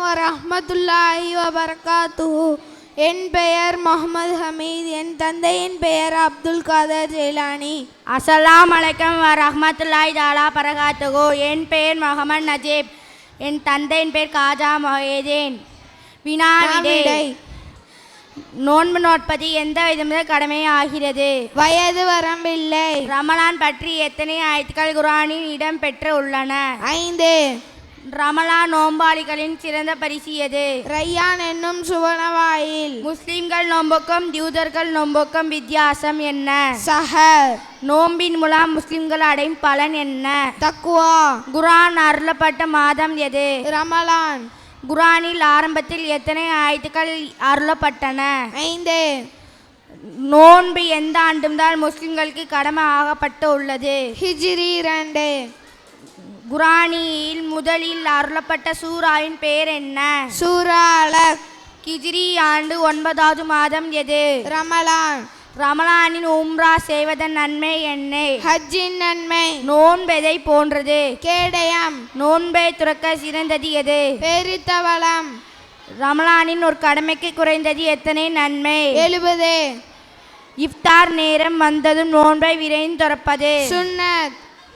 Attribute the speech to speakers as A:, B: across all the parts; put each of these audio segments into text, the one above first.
A: வரஹ்மத்துல்லாஹி வபரகாத்துஹு. என் பெயர் முகமது ஹமீத். என் தந்தையின் பெயர் அப்துல் காதர் ஜெயிலானி.
B: அஸ்ஸலாமு அலைக்கும் வரஹ்மத்துல்லாஹி தஆலா பரகாத்துஹு. என் பெயர் முகமது நஜீப். என் தந்தையின் பெயர் காஜா மொஹீதீன். வினாவிடை. நோன்பு நோட்பது எந்த விதமும் கடமை ஆகிறது?
A: வயது வரம்பில்லை.
B: ரமலான் பற்றி எத்தனை ஆயத்துக்கள் குர்ஆனில் இடம் பெற்று உள்ளன?
A: 5.
B: ரமலான் நோம்பாளிகளின் சிறந்த பரிசு எது?
A: ரையான் என்னும் சுவனவாயில்.
B: முஸ்லிம்கள் நோம்புக்கும் யூதர்கள் நோம்புக்கும் வித்தியாசம் என்ன?
A: சஹர்.
B: நோம்பின் மூலம் முஸ்லிம்கள் அடையும் பலன் என்ன?
A: தக்வா.
B: குர்ஆன் அருளப்பட்ட மாதம் எது?
A: ரமலான்.
B: குர்ஆனில் ஆரம்பத்தில் எத்தனை ஆயத்துக்கள் அருளப்பட்டன?
A: 5.
B: நோன்பு எந்த ஆண்டும்தான் முஸ்லிம்களுக்கு கடமை ஆகப்பட்டு உள்ளது?
A: ஹிஜ்ரி 2.
B: குர்ஆனில் முதலில் அருளப்பட்ட சூராவின் பெயர் என்ன?
A: சூரா அலக்.
B: ஹிஜ்ரி ஆண்டு 9வது மாதம் எது?
A: ரமலான்.
B: ரமலானின் உம்ரா செய்வதன் நன்மை என்ன?
A: ஹஜ்ஜின் நன்மை.
B: நோன்பெதை போன்றது?
A: கேடயம்.
B: நோன்பை துறக்க சிறந்தது எது?
A: பெரித்தவளம்.
B: ரமலானின் ஒரு கடமைக்கு குறைந்தது எத்தனை நன்மை?
A: 70.
B: இஃப்தார் நேரம் வந்ததும் நோன்பை விரைந்து துறப்பது
A: சுன்னத்.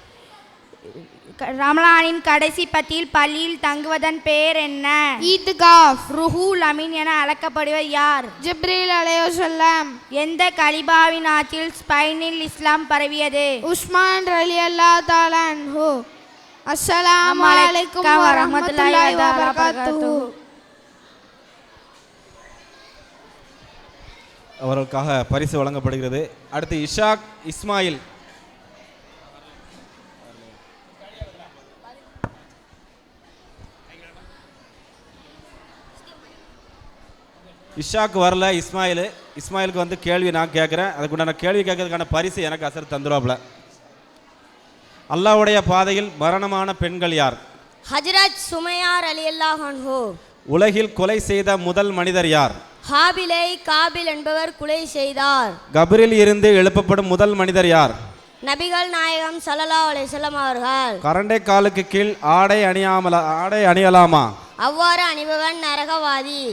B: ரமலானின் கடைசி பத்தியில் பள்ளியில் தங்குவதன் பெயர் என்ன?
A: ஈத்காஃப்.
B: ருஹுல் அமீன் என அழைக்கப்படுவர் யார்?
A: ஜிப்ரீல் அலைஹிஸ்ஸலாம்.
B: எந்த கலிபாவின் ஆட்சியில் ஸ்பெயினில் இஸ்லாம் பரவியது?
A: உஸ்மான் ரலியல்லாஹு தஆலா அன்ஹு. அஸ்ஸலாமு அலைக்கும் வரஹ்மத்துல்லாஹி வபரகாத்துஹு.
C: அவர்களுக்காக பரிசு வழங்கப்படுகிறது. அடுத்து இஷாக் இஸ்மாயில். இஷாக்கு வரல, இஸ்மாயிலுக்கு வந்து கேள்வி நான் கேட்குறேன். அதுக்குண்டான கேள்வி கேட்கறதுக்கான பரிசு எனக்கு அசர் தந்துருவாப்ல. அல்லாஹ்வுடைய பாதையில் மரணமான பெண்கள் யார்?
D: ஹஜ்ரத் சுமையா ரலியல்லாஹு அன்ஹு.
C: உலகில் கொலை செய்த முதல் மனிதர் யார்?
D: ஹாபிலை காபில் என்பவர் கொலை செய்தார்.
C: கபரில் இருந்து எழுப்பப்படும் முதல் மனிதர் யார்?
D: நபிகள் நாயகம் ஸல்லல்லாஹு அலைஹி வஸல்லம் அவர்கள்.
C: கரண்டை காலுக்கு கீழ் ஆடை அணியலாமா?
D: அவ்வாறு அணிபவன் நரகவாதி.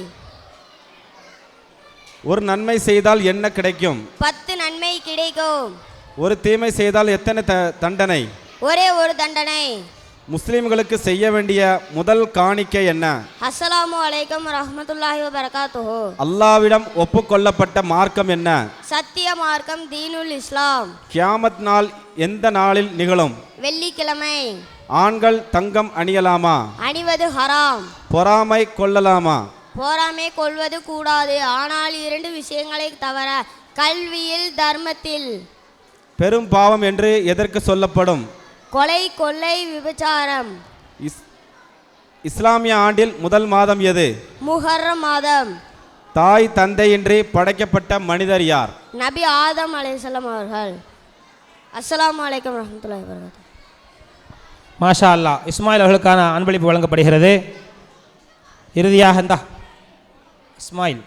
C: ஒரு நன்மை செய்தால் என்ன கிடைக்கும்?
D: 10 நன்மை கிடைக்கும்.
C: ஒரு தீமை செய்தால் எத்தனை தண்டனை?
D: ஒரே ஒரு தண்டனை.
C: முஸ்லிம்களுக்கு செய்ய வேண்டிய முதல் காணிக்கை என்ன?
D: அஸ்ஸலாமு அலைக்கும் வரஹ்மத்துல்லாஹி வபரகாத்துஹு.
C: அல்லாஹ்விடம் ஒப்புக்கொள்ளப்பட்ட மார்க்கம் என்ன?
D: சத்திய மார்க்கம் தீனுல் இஸ்லாம்.
C: கியாமத் நாள் எந்த நாளில் நிகழும்?
D: வெள்ளிக்கிழமை.
C: ஆண்கள் தங்கம் அணியலாமா?
D: அணிவது ஹராம்.
C: பொறாமை கொள்ளலாமா?
D: போராமை கொள்வது கூடாது. ஆனால் 2 விஷயங்களை தவிர. கல்வியில், தர்மத்தில்.
C: பெரும் பாவம் என்று எதற்கு சொல்லப்படும்?
D: கொலை, கொள்ளை, விபச்சாரம்.
C: இஸ்லாமிய ஆண்டில் முதல் மாதம் எது?
D: முஹர்ரம் மாதம்.
C: தாய் தந்தையின்றி படைக்கப்பட்ட மனிதர் யார்?
D: நபி ஆதம் அலைஹிஸ்ஸலாம் அவர்கள். அஸ்ஸலாமு அலைக்கும் வரஹ்மத்துல்லாஹி வபரகாத்துஹு.
E: மாஷா அல்லாஹ். இஸ்மாயில் அவர்களுக்கான அன்பளிப்பு வழங்கப்படுகிறது. இறுதியாக இந்த இஸ்மாயில்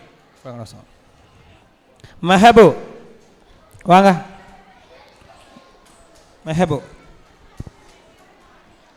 E: மெஹபு வாங்க. மெஹபு